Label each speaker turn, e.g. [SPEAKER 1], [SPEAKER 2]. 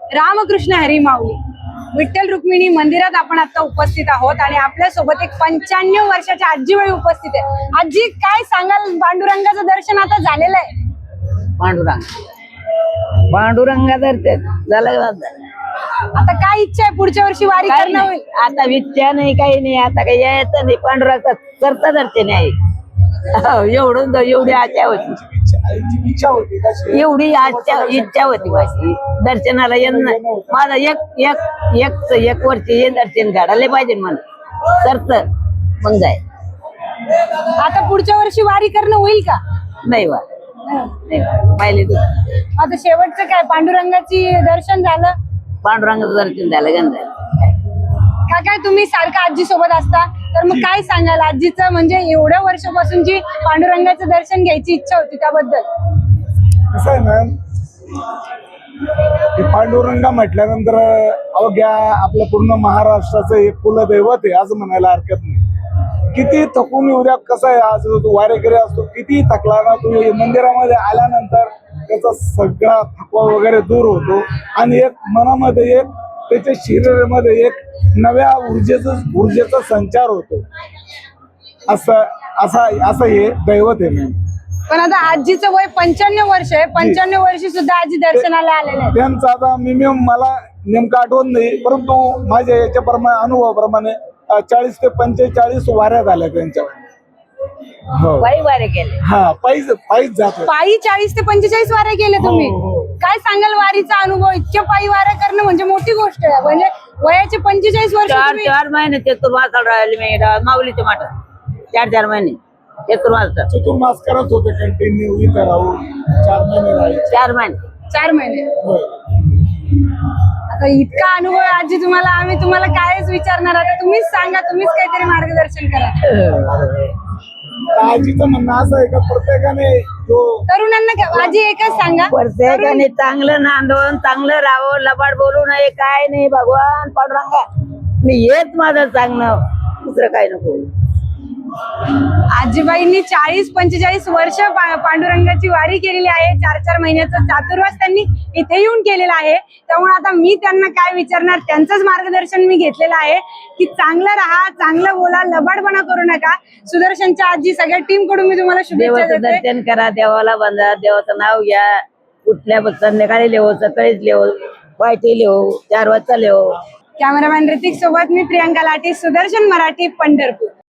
[SPEAKER 1] रामकृष्ण हरी माऊली विठ्ठल रुक्मिणी मंदिरात आपण आता उपस्थित आहोत आणि आपल्या सोबत एक 95 वर्षाच्या आजीबाई उपस्थित आहे। आजी, काय सांगाल, पांडुरंगाचं दर्शन आता झालेलं आहे?
[SPEAKER 2] पांडुरंगा झालं
[SPEAKER 1] आता काय इच्छा आहे पुढच्या वर्षी वारी करणं होईल?
[SPEAKER 2] आता इच्छा नाही, काही नाही, आता काही यायचं नाही, पांडुरंगा करता दर्शन आहे। एवढी आशा होती, एवढी इच्छा होती माझी दर्शनाला येणं। माझा एक वर्ष हे दर्शन घडायला पाहिजे मला, सरत मग जाय।
[SPEAKER 1] आता पुढच्या वर्षी वारी करणं होईल का?
[SPEAKER 2] नाही वा पाहिले तू
[SPEAKER 1] आता शेवटचं काय, पांडुरंगाची दर्शन झालं?
[SPEAKER 2] पांडुरंगाचं दर्शन झालं गंधा।
[SPEAKER 1] काय तुम्ही सारखं आजी सोबत असता, तर मग काय सांगाल आजीचं, म्हणजे एवढ्या वर्षापासूनची पांडुरंगाचं दर्शन घ्यायची इच्छा होती त्याबद्दल?
[SPEAKER 3] कसं आहे ना, पांडुरंगा म्हटल्यानंतर अवघ्या आपल्या पूर्ण महाराष्ट्राचं एक कुलदैवत आहे असं म्हणायला हरकत नाही। किती थकून येऊ द्या, कसं आहे, आज तू वारेकरी असतो, किती थकला ना, तू मंदिरामध्ये आल्यानंतर त्याचा सगळा थकवा वगैरे दूर होतो आणि एक मनामध्ये एक त्याच्या शरीरामध्ये एक नव्या ऊर्जेचा संचार होतो। असं हे दैवत आहे मॅम।
[SPEAKER 1] पण आता आजीचं वय 95 वर्ष आहे, 95 वर्षी सुद्धा आजी दर्शनाला आलेले आहेत।
[SPEAKER 3] त्यांचा आता मिनिमम मला नेमकं आठवत नाही, परंतु माझ्या याच्या अनुभवाप्रमाणे 40 ते 45 वाऱ्या झाल्या त्यांच्या।
[SPEAKER 2] पायी वारे केले,
[SPEAKER 3] हा, पायीच जातो।
[SPEAKER 1] पायी 40 ते 45 वाऱ्या केले तुम्ही? काय सांगाल वारीचा अनुभव? इतक्या पायी वाऱ्या करणं म्हणजे मोठी गोष्ट आहे, म्हणजे वयाचे 45 वर्ष।
[SPEAKER 2] 4 महिने चतुर्मास राहिले मी माऊलीच्या माठात, 4 महिने
[SPEAKER 3] चतुर्मास करत होते कंटिन्यू इथं राहून। 4 महिने राहिले,
[SPEAKER 2] 4 महिने
[SPEAKER 1] आता इतका अनुभव आहे आजी तुम्हाला, आम्ही तुम्हाला कायच विचारणार। आता तुम्हीच सांगा, तुम्हीच काहीतरी मार्गदर्शन करा।
[SPEAKER 3] आजीचं म्हणणं असं आहे का प्रत्येकाने
[SPEAKER 1] तरुणांना आजी एकच सांगा,
[SPEAKER 2] प्रत्येकाने चांगलं नांदून चांगलं राहावं, लबाड बोलू नये, काय नाही। भगवान पांडुरंगा मी हेच माझं सांगणं, दुसरं काय नको।
[SPEAKER 1] आजीबाईंनी 40-45 वर्ष पांडुरंगाची वारी केलेली आहे। 4 महिन्याचा चातुर्मास त्यांनी इथे येऊन केलेला आहे। त्यामुळे आता मी त्यांना काय विचारणार, त्यांचंच मार्गदर्शन मी घेतलेलं आहे की चांगलं राहा, चांगलं बोला, लबाडपणा करू नका। सुदर्शनच्या आजी सगळ्या टीम कडून मी तुम्हाला शुभेच्छा देते।
[SPEAKER 2] दर्शन करा, देवाला बांधा, देवाचं नाव घ्या, कुठल्या संध्याकाळी लिहो, सकाळीच लिहो, पायथी लिहो, 4 वाजता लिहो।
[SPEAKER 1] कॅमेरामॅन ऋतिक सोबत मी प्रियांका लाठी, सुदर्शन मराठी, पंढरपूर।